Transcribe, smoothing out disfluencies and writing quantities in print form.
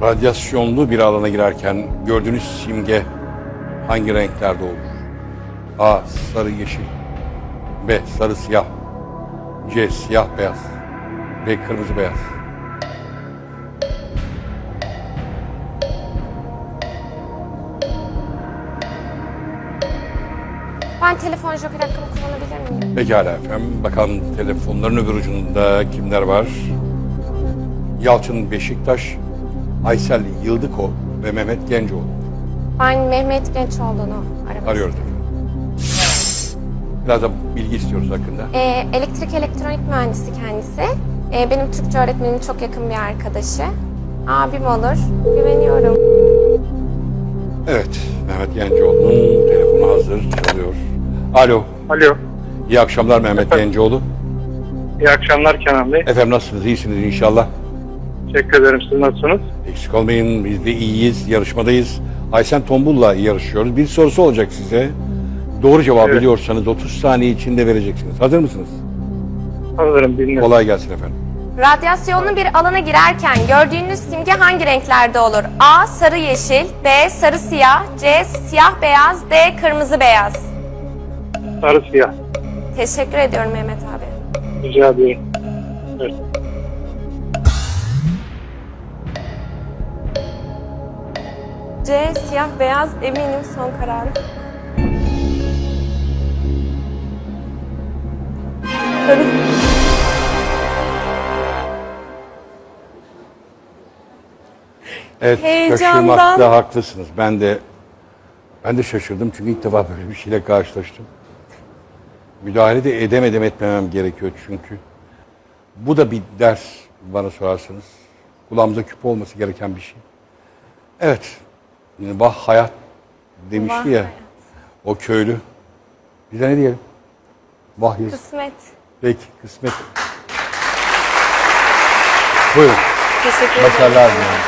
Radyasyonlu bir alana girerken gördüğünüz simge hangi renklerde olur? A. Sarı yeşil. B. Sarı siyah. C. Siyah beyaz. D. Kırmızı beyaz. Ben telefon joker hakkımı kullanabilir miyim? Pekala efendim. Bakalım telefonların öbür ucunda kimler var? Yalçın Beşiktaş, Aysel Yıldıko ve Mehmet Gencoğlu. Ben Mehmet Gençoğlu'nu aramak Arıyoruz efendim. Biraz da bilgi istiyoruz hakkında. Elektrik elektronik mühendisi kendisi. Benim Türkçe öğretmenimin çok yakın bir arkadaşı. Abim olur. Güveniyorum. Evet, Mehmet Gencoğlu'nun telefonu hazır çalıyor. Alo, Alo. iyi akşamlar Mehmet Gencoğlu. İyi akşamlar Kenan Bey. Efendim nasılsınız, iyisiniz inşallah. Teşekkür ederim. Siz nasılsınız? Eksik olmayın, biz de iyiyiz, yarışmadayız. Aysen Tombul'la yarışıyoruz. Bir sorusu olacak size. Doğru cevabı Evet. biliyorsanız 30 saniye içinde vereceksiniz. Hazır mısınız? Hazırım, dinliyorum. Kolay gelsin efendim. Radyasyonlu bir alana girerken gördüğünüz simge hangi renklerde olur? A. Sarı yeşil. B. Sarı siyah. C. Siyah beyaz. D. Kırmızı beyaz. Sarı siyah. Teşekkür ediyorum Mehmet abi. Rica ederim. Evet. C. Siyah beyaz. Eminim son kararım. Sarı. Evet, Heyecandan. şaşırmakta haklısınız. Ben de şaşırdım çünkü ilk defa böyle bir şeyle karşılaştım. Müdahale de edemedim, etmemem gerekiyor çünkü. Bu da bir ders bana sorarsanız. Kulağımıza küpe olması gereken bir şey. Evet, yani vah hayat demişti Vah ya hayat. o köylü. Bize ne diyelim? Vah yazık. Kısmet. Peki, kısmet. Buyurun, Teşekkür ederim. başarılar diliyorum.